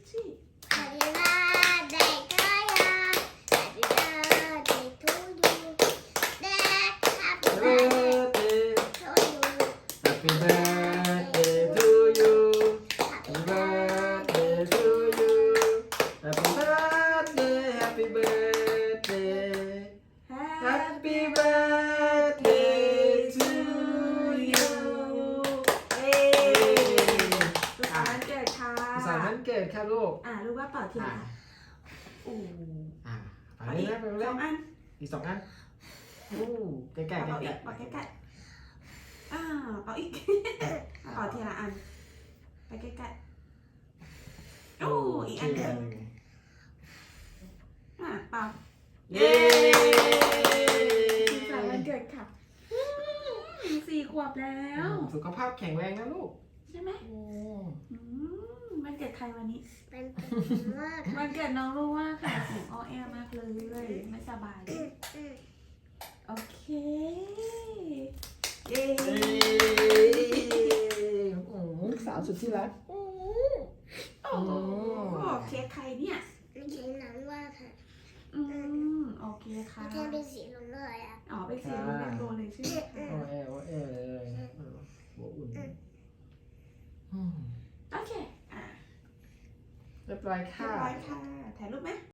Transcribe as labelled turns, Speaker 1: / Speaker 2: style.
Speaker 1: sweet
Speaker 2: Happy birthday to you. Happy birthday to you. Happy birthday to you.
Speaker 3: Happy birthday to you. Happy birthday to you. Happy birthday, happy birthday. Happy birthday to you.
Speaker 1: เอ้สุขสันต์วันเกิดค่ะ
Speaker 3: สุขสันต์วันเกิดค่ะลูก
Speaker 1: รู้ว่าเป่าเทียนค่ะโอ้
Speaker 3: ไปเลยนะไปเลย
Speaker 1: 2 อัน
Speaker 3: อีก2 อันใกล้ๆใกล้
Speaker 1: เป่าอีก
Speaker 3: ๆ
Speaker 1: เป่าใกล้ๆเป่าอีกเป่าทีละอันไปใกล้ๆอีกอันหนึงเป่า
Speaker 3: เย้
Speaker 1: สุขสันต์วันเกิดค่ะ4 ขวบแล้ว
Speaker 3: สุขภาพแข็งแรงนะลูก
Speaker 1: ใช่ไหมวันเกิดใครวันนี้
Speaker 2: เป็นผมมาก
Speaker 1: วันเกิดน้องรู้ว่าค่ะเสียงอ้อแอมากเลยไม่สบายโอเคเย้
Speaker 3: ลูกสาวสุดที่รัก
Speaker 1: โอ้โหเค้กใครเนี่ย
Speaker 2: ไม่ใช่น้ำว่าค่ะ
Speaker 1: โอเคค่ะ
Speaker 2: แค่เป็นสีลงเลยอ่ะ
Speaker 1: เป็นสีลูกเป็นโบเลยใช่ไหมคะ
Speaker 3: โอ้เอเลยหัวอุ่น
Speaker 1: โอเค
Speaker 3: เรียบร้อย
Speaker 1: เรีย
Speaker 3: ค่ะ
Speaker 1: บร้อยค่ะถ่ายรูปไหม